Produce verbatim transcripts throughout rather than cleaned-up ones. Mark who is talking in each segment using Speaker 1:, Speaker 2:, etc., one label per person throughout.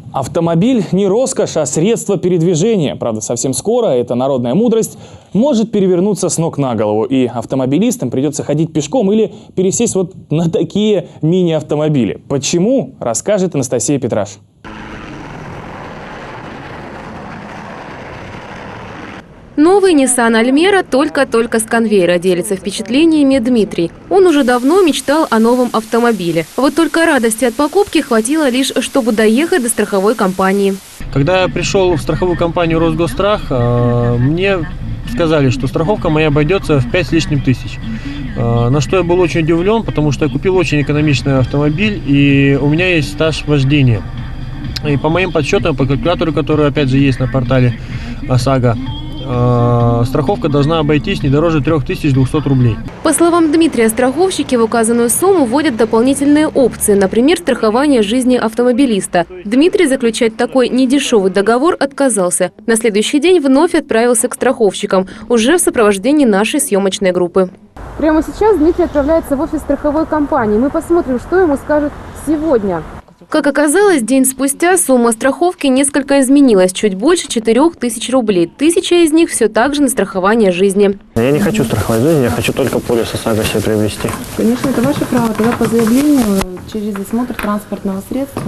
Speaker 1: Автомобиль не роскошь, а средство передвижения. Правда, совсем скоро эта народная мудрость может перевернуться с ног на голову. И автомобилистам придется ходить пешком или пересесть вот на такие мини-автомобили. Почему, расскажет Анастасия Петраш.
Speaker 2: Новый Nissan Almera только-только с конвейера, делится впечатлениями Дмитрий. Он уже давно мечтал о новом автомобиле. Вот только радости от покупки хватило лишь, чтобы доехать до страховой компании.
Speaker 3: Когда я пришел в страховую компанию Росгосстрах, мне сказали, что страховка моя обойдется в пять с лишним тысяч. На что я был очень удивлен, потому что я купил очень экономичный автомобиль, и у меня есть стаж вождения. И по моим подсчетам, по калькулятору, который опять же есть на портале ОСАГО, страховка должна обойтись не дороже трёх тысяч двухсот рублей.
Speaker 2: По словам Дмитрия, страховщики в указанную сумму вводят дополнительные опции, например, страхование жизни автомобилиста. Дмитрий заключать такой недешевый договор отказался. На следующий день вновь отправился к страховщикам, уже в сопровождении нашей съемочной группы. Прямо сейчас Дмитрий отправляется в офис страховой компании. Мы посмотрим, что ему скажут сегодня. Как оказалось, день спустя сумма страховки несколько изменилась, чуть больше четырёх тысяч рублей. Тысяча из них все так же на страхование жизни.
Speaker 4: Я не хочу страховать жизнь, я хочу только полис ОСАГО себе приобрести.
Speaker 5: Конечно, это ваше право. Тогда по заявлению через осмотр транспортного средства.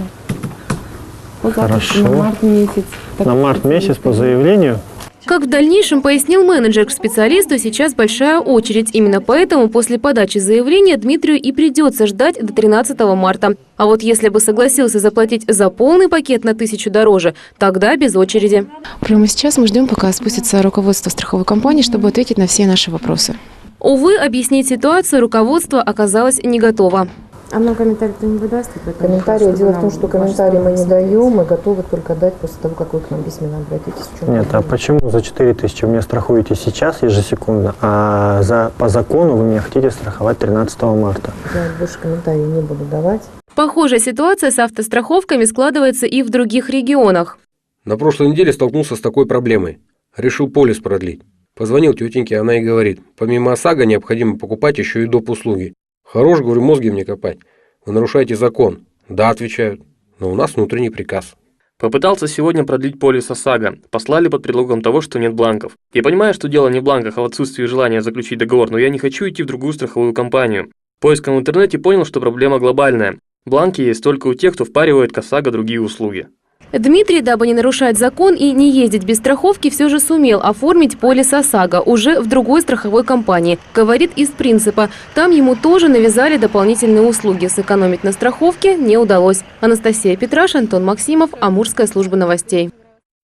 Speaker 5: По
Speaker 4: Хорошо.
Speaker 5: На март месяц.
Speaker 4: На март месяц по заявлению.
Speaker 2: Как в дальнейшем пояснил менеджер, к специалисту сейчас большая очередь. Именно поэтому после подачи заявления Дмитрию и придется ждать до тринадцатого марта. А вот если бы согласился заплатить за полный пакет на тысячу дороже, тогда без очереди.
Speaker 5: Прямо сейчас мы ждем, пока спустится руководство страховой компании, чтобы ответить на все наши вопросы.
Speaker 2: Увы, объяснить ситуацию руководство оказалось не готово.
Speaker 5: А нам комментарий кто не выдаст?
Speaker 6: Комментарии. Дело в том, что комментарии мы не даем, мы готовы только дать после того, как вы к нам письменно обратитесь.
Speaker 4: Нет, а почему за четыре тысячи вы меня страхуете сейчас ежесекундно, а за, по закону вы меня хотите страховать тринадцатого марта?
Speaker 6: Я больше комментариев не буду давать.
Speaker 2: Похожая ситуация с автостраховками складывается и в других регионах.
Speaker 7: На прошлой неделе столкнулся с такой проблемой. Решил полис продлить. Позвонил тетеньке, она и говорит, помимо ОСАГО необходимо покупать еще и доп. Услуги. Хорош, говорю, мозги мне копать. Вы нарушаете закон. Да, отвечают. Но у нас внутренний приказ.
Speaker 8: Попытался сегодня продлить полис ОСАГО. Послали под предлогом того, что нет бланков. Я понимаю, что дело не в бланках, а в отсутствии желания заключить договор, но я не хочу идти в другую страховую компанию. Поиском в интернете понял, что проблема глобальная. Бланки есть только у тех, кто впаривает к ОСАГО другие услуги.
Speaker 2: Дмитрий, дабы не нарушать закон и не ездить без страховки, все же сумел оформить полис ОСАГО уже в другой страховой компании. Говорит из принципа. Там ему тоже навязали дополнительные услуги. Сэкономить на страховке не удалось. Анастасия Петраш, Антон Максимов, Амурская служба новостей.